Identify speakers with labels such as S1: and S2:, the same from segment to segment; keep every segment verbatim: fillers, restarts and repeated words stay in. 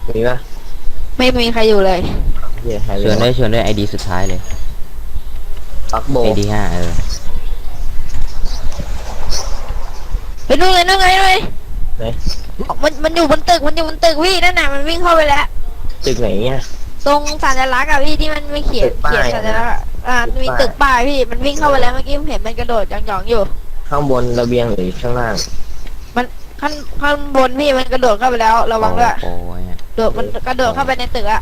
S1: มีปะ
S2: ไม่มีใครอยู่เลย
S1: เหี้ยใคร
S3: ชวนด้วยชวนด้วยไอดีสุดท้ายเลย
S1: ปักโบ
S3: ไอดีห้าเออ
S2: ไปนู่นเลยนู่นไงเลย
S1: ไหน
S2: มันมันอยู่บนตึกมันอยู่บนตึกพี่นั่นน่ะมันวิ่งเข้าไปแล้ว
S1: ตึกไหนเนี่ย
S2: ตรงสัญลักษณ์อะพี่ที่มันไม่เขียน
S1: ตึกป้าย
S2: เขียนสัญลักษณ์อะอ่า
S1: ตึก
S2: มี
S1: ป้าย
S2: ตึกป้ายพี่มันวิ่งเข้าไปแล้วเมื่อกี้ผมเห็นมันกระโดดหยองๆอยู่
S1: ข้างบนระเบียงหรือข้างล่าง
S2: มันข้างข้างบนพี่มันกระโดดเข้าไปแล้วระวังด้วย
S3: โอ้ยอะ
S2: โดดมันกระโดดเข้าไปในตึกอะ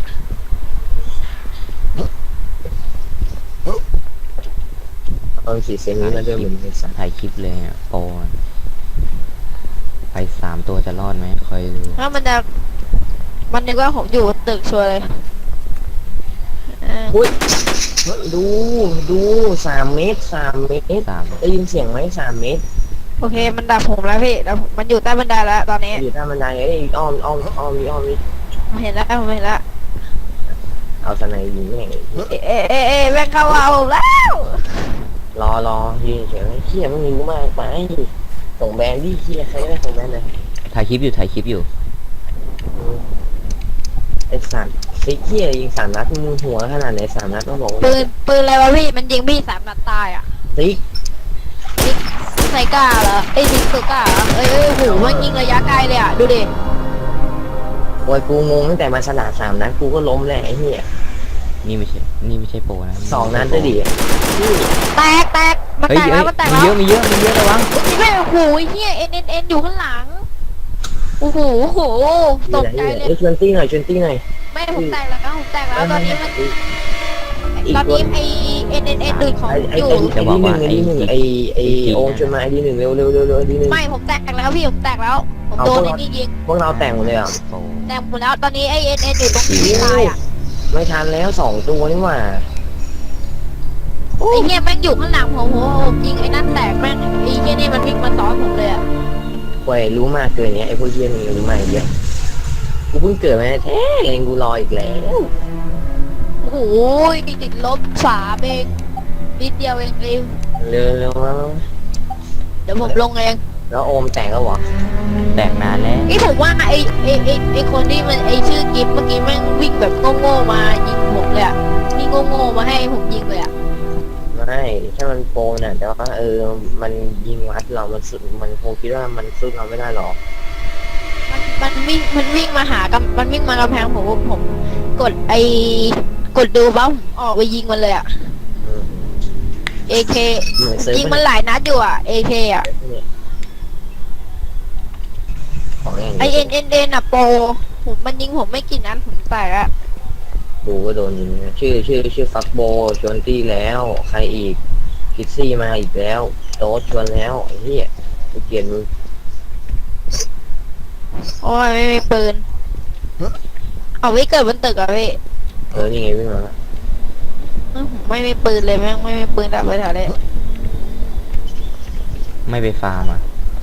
S1: เอาสีเซนนี้มาด้วยเหมือนกันสัตว์
S3: ถ่ายคลิปเลยอะโปรไปสามตัวจะรอดไหมคอยดู
S2: ถ้ามันจะมันนึกว่าผมอยู่บนตึกชัวร์เลยอ่า
S1: อุ้ยดูดูสามเมตรสามเมตร
S3: สาม
S1: ได้ยินเสียงไหมสามเมตร
S2: โอเคมันดับผมแล้วพี่แล้วมันอยู่ใต้บันไดแล้วตอนนี้
S1: อยู่ท่าบันไดเอ้ยอ้อมอ้อมอ้อมนี่อ้อมนี่
S2: ผมเห็นแล้วผมเห็นแล้ว
S1: เอาสไนยิงแม่ง
S2: เอ๊ะเอ๊ะเอ๊ะเอ๊ะแม่งเข้าเอาผมแล้ว
S1: รอรอยืนเฉยเขี้ยไม่มีกูมากไปส่งแบรนด์ดิเขี้ยใครได้ส่งแบรนด์เลย
S3: ถ่ายคลิปอยู่ถ่ายคลิปอยู่
S1: ไอ้สัตว์ไอ้เขี้ยยิงสามนัดมึงหัวขนาดไหนสามนัดต้องบอกว่า
S2: ปืนปืนอะไรวะพี่มันยิงพี่สามนัดตายอ่ะ
S1: ติ๊ก
S2: ยิงไซก้าเหรอไอ้ยยิงสุก้าเหรอเอ้ยเอ้ยโหมันยิงระยะไกลเลยอ่ะดูดิ
S1: โอ้ยกูงงตั้งแต่มาสนามสามนัดกูก็ล้มแล้วไอ้เหี้ย
S3: นี่ไม่ใช่นี่ไม่ใช่โปรนะ
S1: สองนัดได้ดิ
S2: แตกแตกมัน
S3: เฮ้ย
S2: แตก
S3: เฮ้
S2: แล้
S3: ยว
S2: มันแตก
S3: มี
S2: แล้ว
S3: เยอะมีเยอะมีเยอะระวัง
S2: นี่แม่งโอ้โหเฮียเอ็นเอ็นเอ็นอยู่ข้างหลังโอ้โหโอ้โหตกใจเลย
S1: ไอ้ชวนตี้หน่อยชวนตี้หน่อย
S2: แม่ผมแตกแล้วผมแตกแล้วตอนนี้มัน
S1: อีก
S2: ตอน
S1: ตัว
S2: นี้ไอเอ็นเอ็นเอ็นดูดของ
S1: ไอ้
S2: ผม
S1: ไอ้
S2: อยู่
S1: ไอ้ไอ้ดีหนึ่งไอ้ดีหนึ่งไอ้ไอ้โอมชวนมาไอ้ดีหนึ่งเร็วเร็วเร็วเร็วไอ้ดีหนึ่ง
S2: ไม่ผมแตกแล้วพี่ผมแตกแล้วผมโดนไอ้นี่ยิง
S1: พวกเราแต่งหมดเลยอ่ะ
S3: โปร
S2: แตกหมดแล้วตอนนี้ไอเอ็นเอ็นอยู่ตรงที่ตายอ่ะ
S1: ไม่ทันแล้วสองตัวนี่หว่า
S2: ไอเฮียแม่งอยู่ข้างหลังผมโหผมยิงไอ้นั่นแตกแม่งไอเฮียนี่มันวิ่งมาซ้อนผมเลยอ่ะ
S1: เว้ยรู้มากเกินเนี้ยไอ้พวกเยี่ยนี่รู้มากเยอะกูเพิ่งเกิดมาแท้เองกูรออีกแล้ว
S2: โอ้โหติดลบสามเองนิดเดียวเองเอง
S1: เร็วเร็วแล้ว
S2: เดี๋ยวผมลงเอง
S1: แล้วโอมแต่งแล้วเหรอ
S3: แตกนานแล้ว
S2: ไอผมว่าไอไอไอไอคนที่มันไอชื่อกิฟเมื่อกี้แม่งวิ่งแบบโง่ๆมายิงผมเลยอ่ะนี่โง่ๆมาให้ผมยิงเลยอ่ะ
S1: ไม่ถ้ามันโปรน่ะแต่ว่าเออมันยิงวัดเรามันสุดมันคงคิดว่ามันสู้เราไม่ได้หรอก
S2: มันมันวิ่งมันวิ่งมาหากำมันวิ่งมากำแพงผมผมกดไอกดดูบ้าผมออกไปยิงมันเลยอ่ะ
S1: อืม
S2: เอเค
S1: เหมือนเซิร์ฟ
S2: ยิงมันหลายนัดอยู่อ่ะเอเคอ่ะ
S1: เนี่ยของอย่าง
S2: ไอ
S1: นี้
S2: เอ็นเอ็นเอ็นอ่ะโปรผมมันยิงผมไม่กี่นัดผมแตกอ่ะ
S1: ดูก็โดนยิงนะชื่อชื่อชื่อฟักโบชวนตี้แล้วใครอีกคิดซี่มาอีกแล้วโต๊ดชวนแล้วไอ้เหี้ยกูเกลียดมึง
S2: โอ้ยไม่มีปืนเอาไว้เกิดบนตึกอ่ะพี่
S1: เออนี่ไงวิ่งมาแล้ว
S2: เออผมไม่มีปืนเลยแม่งไม่มีปืนดับไปแถวเลย
S3: ไม่ไปฟาร์มอ่ะ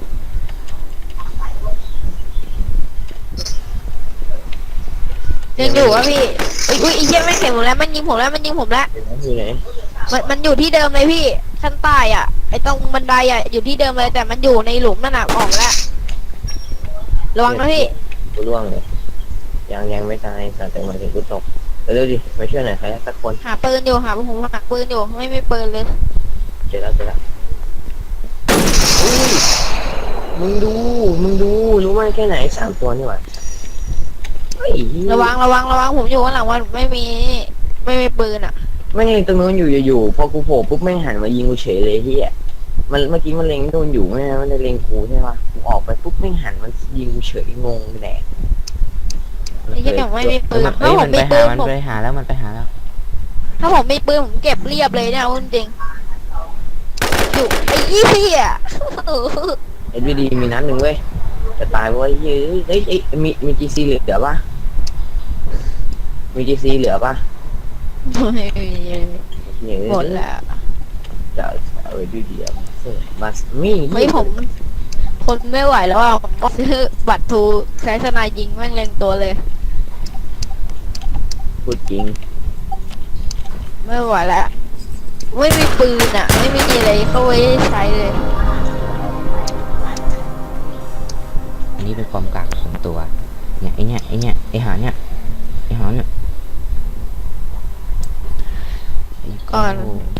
S2: ยังอยู่อ่ะพี่อุ้ยอุ้ยไอีเชี่ยไม่งเห็นผมแล้วมันยิงผมแล้วมันยิงผมแล้ว
S1: เห็นไหมอยู่ไหน
S2: มันมันอยู่ที่เดิมเลยพี่ขั้นใต้อ่ะไอตรงบันไดอ่ะอยู่ที่เดิมเลยแต่มันอยู่ในหลุมนั่นน่ะออกแล้วระวังนะพี่
S1: กูร่วงเลยยังยังไม่ตายแต่แต่หมายถึงกูตกเร็วๆดิมาช่วยหน่อยใครสักคน
S2: หาปืนอยู่หาผมหาปืนอยู่ไม่มีปืนเลย
S1: เจอแล้วเจอแล้วอุ้ยมึงดูมึงดูรู้ไหมแค่ไหนสามตัวนี่หว่าเฮ้ย
S2: ระวังระวังระวังผมอยู่ข้างหลังว่าไม่มีไม่มีปืนอ่ะ
S1: ไม่งตรงนู้นอยู่อยู่ๆพอกูโผล่ปุ๊บแม่งหันมายิงกูเฉยเลยเฮียมันเมื่อกี้มันเล็งโดนอยู่ไม่ใช่มันได้เล็งกูใช่ปะกูออกไปปุ๊บแม่งหันมันยิงกูเฉยงงแดก
S2: ไอ้เหี้ยผมไม่มีปืน
S3: มัน
S2: ถ้า
S3: เอ้ย
S2: ผ
S3: มั
S2: ม
S3: น
S2: มี
S3: ไป
S2: ปื
S3: หาน มัน
S2: ผม
S3: ไปหาแล้วมันไปหาแล้ว
S2: ถ้าผมมีปืนผมเก็บเรียบเลยเนี่ยเอาจริงๆอยู่ไอ้ยี่พี่อ่ะ
S1: เอ็ดวีดีมีนัดหนึ่งเว้ยจะตายเว้ยเฮ้ยเฮ้ยเอ้ยมีมีจีซีเหลือปะมีจีซีเหลือปะ
S2: ไม่มี
S1: เนี่ย
S2: หมดแล้ว
S1: จะเอาไว้ดูเดียวบัสมี
S2: ไม่ผมทนไม่ไหวแล้วอ่ะผมก็ซื้อบัตรทูใช้สนายยิงแม่งเล็งตัวเลย
S1: พูดจริง
S2: ไม่ไหวแล้วไม่มีปืนอ่ะ ไม่มีอะไรเข้าไว้ใช้เลย
S3: อันนี้เป็นความกากของตัวเนี่ยไอเนี่ยไอเนี่ยไอหาเนี่ยไอหาเนี่ยไอ้
S2: ก่อน
S3: โ